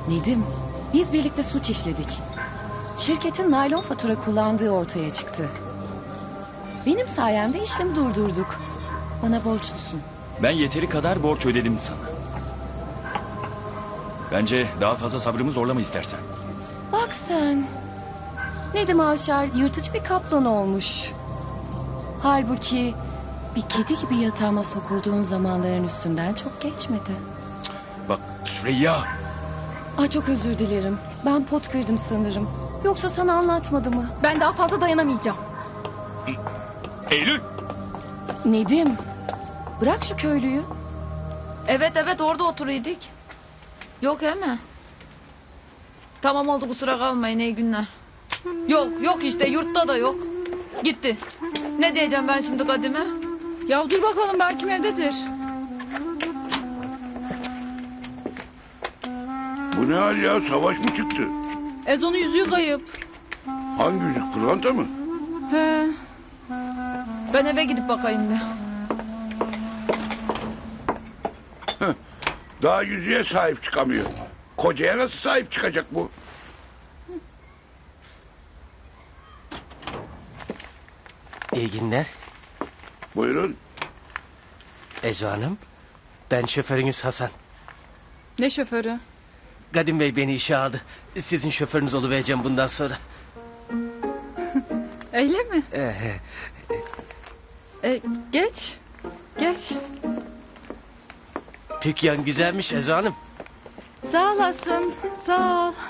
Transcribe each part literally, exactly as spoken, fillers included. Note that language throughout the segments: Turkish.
Nedim, biz birlikte suç işledik. Şirketin naylon fatura kullandığı ortaya çıktı. Benim sayemde işlemi durdurduk. Bana borçlusun. Ben yeteri kadar borç ödedim sana. Bence daha fazla sabrımı zorlama istersen. Bak sen. Nedim Avşar yırtıcı bir kaplan olmuş. Halbuki bir kedi gibi yatağıma sokulduğun zamanların üstünden çok geçmedi. Bak Süreyya. Ay çok özür dilerim. Ben pot kırdım sanırım. Yoksa sana anlatmadı mı? Ben daha fazla dayanamayacağım. Eylül. Nedim, bırak şu köylüyü. Evet evet orada oturuyorduk. Yok he mi? Tamam oldu kusura kalmayın iyi günler. Yok yok işte yurtta da yok. Gitti. Ne diyeceğim ben şimdi Kadime? Ya dur bakalım belki evdedir. Bu ne hal ya? Savaş mı çıktı? Ezo'nun yüzüğü kayıp. Hangi yüzük? Pırlanta mı? He. Ben eve gidip bakayım bir. Heh, daha yüzüğe sahip çıkamıyor. Kocaya nasıl sahip çıkacak bu? İyi günler. Buyurun. Ezo Hanım. Ben şoförünüz Hasan. Ne şoförü? Kadim Bey beni işe aldı. Sizin şoförünüz oluvereceğim bundan sonra. Öyle mi? Ee, E, geç. Geç. Dükkan güzelmiş Ezo Hanım. Sağ olasın. Sağ ol.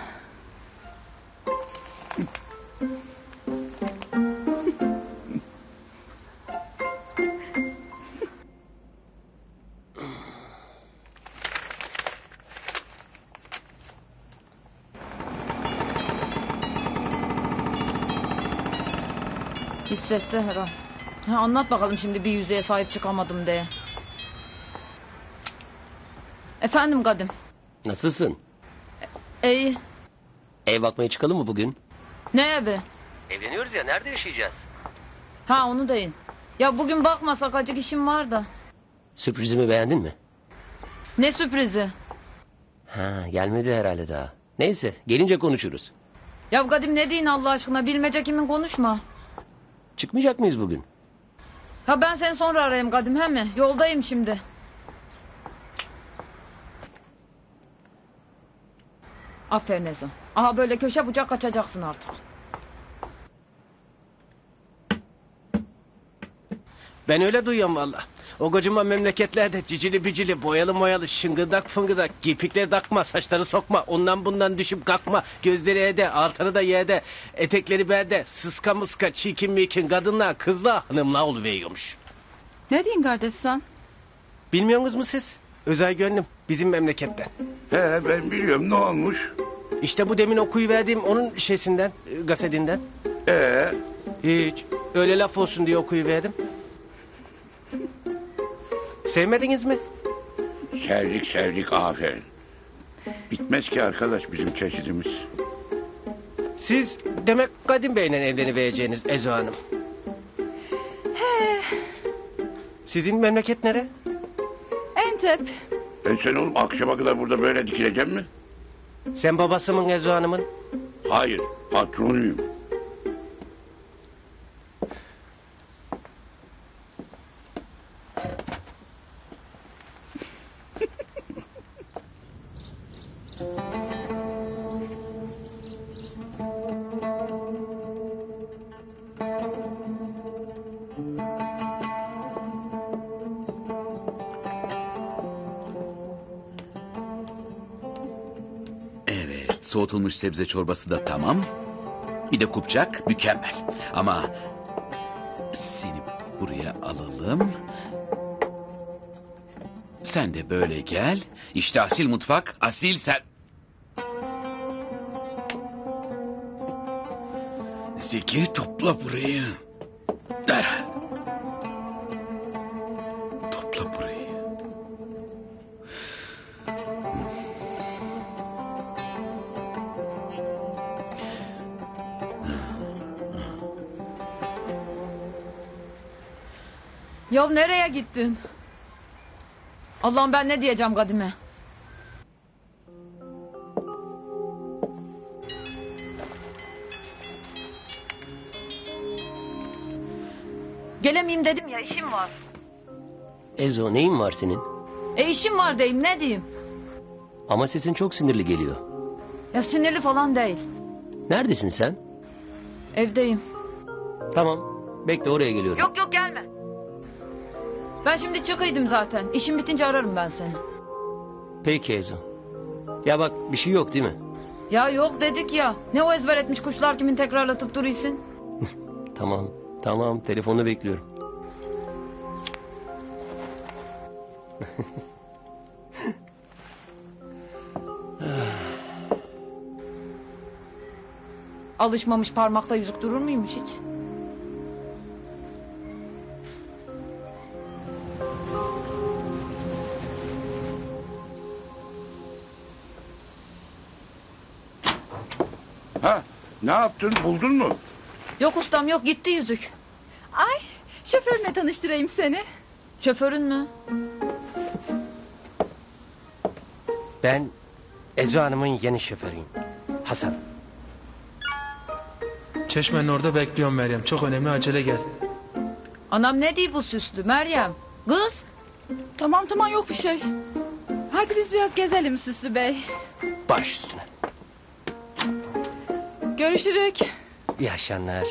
Hissetti herhal. Ha, anlat bakalım şimdi bir yüzeye sahip çıkamadım diye. Efendim Kadim. Nasılsın? İyi. Ev bakmaya çıkalım mı bugün? Ne evi? Evleniyoruz ya, nerede yaşayacağız? Ha onu deyin. Ya bugün bakmasak acık işim var da. Sürprizimi beğendin mi? Ne sürprizi? Ha, gelmedi herhalde daha. Neyse, gelince konuşuruz. Ya Kadim ne deyin Allah aşkına bilmece kimin konuşma. Çıkmayacak mıyız bugün? Ha ben seni sonra arayayım Kadim he mi? Yoldayım şimdi. Aferin Ezo. Aha böyle köşe bucak kaçacaksın artık. Ben öyle duyuyorum valla. O kocaman memleketlerde cicili bicili, boyalı moyalı, şıngırdak fıngırdak, kirpikleri takma, saçları sokma, ondan bundan düşüp kalkma, gözleri ede, altını da yede, etekleri berde, sıska mıska, çikin mikin, kadınlar, kızlar, hanımlar oluveriyormuş. Ne diyorsun kardeş sen? Bilmiyorsunuz mu siz? Özel gönlüm, bizim memleketten. He ben biliyorum, ne olmuş? İşte bu demin okuyuverdiğim onun şeysinden, e, gasetinden. Ee, Hiç, öyle laf olsun diye okuyuverdim. Sevmediniz mi? sevdik sevdik aferin. Bitmez ki arkadaş bizim çeşidimiz. Siz demek Kadim Bey'le evlenivereceğiniz Ezo Hanım. He. Sizin memleket nere? Entep. Ben sen oğlum akşama kadar burada böyle dikileceğim mi? Sen babası mı Ezo Hanım'ın? Hayır, patronuyum. Evet, soğutulmuş sebze çorbası da tamam. Bir de kupçak mükemmel. Ama seni buraya alalım. Sen de böyle gel. İşte asil mutfak, asil sen... Zeki topla burayı. Derhal. Topla burayı. Ya nereye gittin? Allah'ım ben ne diyeceğim Kadime? Gelemeyeyim dedim ya, işim var. Ezo neyin var senin? E işim var deyim, ne diyeyim? Ama sesin çok sinirli geliyor. Ya sinirli falan değil. Neredesin sen? Evdeyim. Tamam. Bekle oraya geliyorum. Yok yok gelme. Ben şimdi çıkıydım zaten. İşim bitince ararım ben seni. Peki Ezo. Ya bak bir şey yok değil mi? Ya yok dedik ya. Ne o ezber etmiş kuşlar kimin tekrarlatıp duruyorsun? Tamam. Tamam. Telefonu bekliyorum. Alışmamış parmakta yüzük durur muymuş hiç? Ha, ne yaptın? Buldun mu? Yok ustam yok, gitti yüzük. Ay şoförüne tanıştırayım seni. Şoförün mü? Ben Ezo Hanım'ın yeni şoförüyüm. Hasan. Çeşmenin orada bekliyorum Meryem. Çok önemli, acele gel. Anam ne diyor bu süslü Meryem? Kız. Tamam tamam yok bir şey. Hadi biz biraz gezelim Süslü Bey. Baş üstüne. Görüşürük. İyi akşamlar.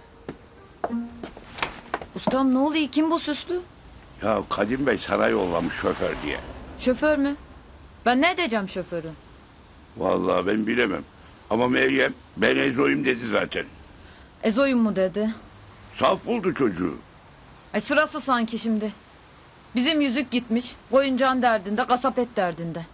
Ustam ne oluyor, kim bu süslü? Ya Kadim Bey sana yollamış şoför diye. Şoför mü? Ben ne edeceğim şoförü? Vallahi ben bilemem. Ama Meryem ben Ezo'yum dedi zaten. Ezoyum mu dedi? Saf buldu çocuğu. Ay sırası sanki şimdi. Bizim yüzük gitmiş. Oyuncağın derdinde, kasap et derdinde.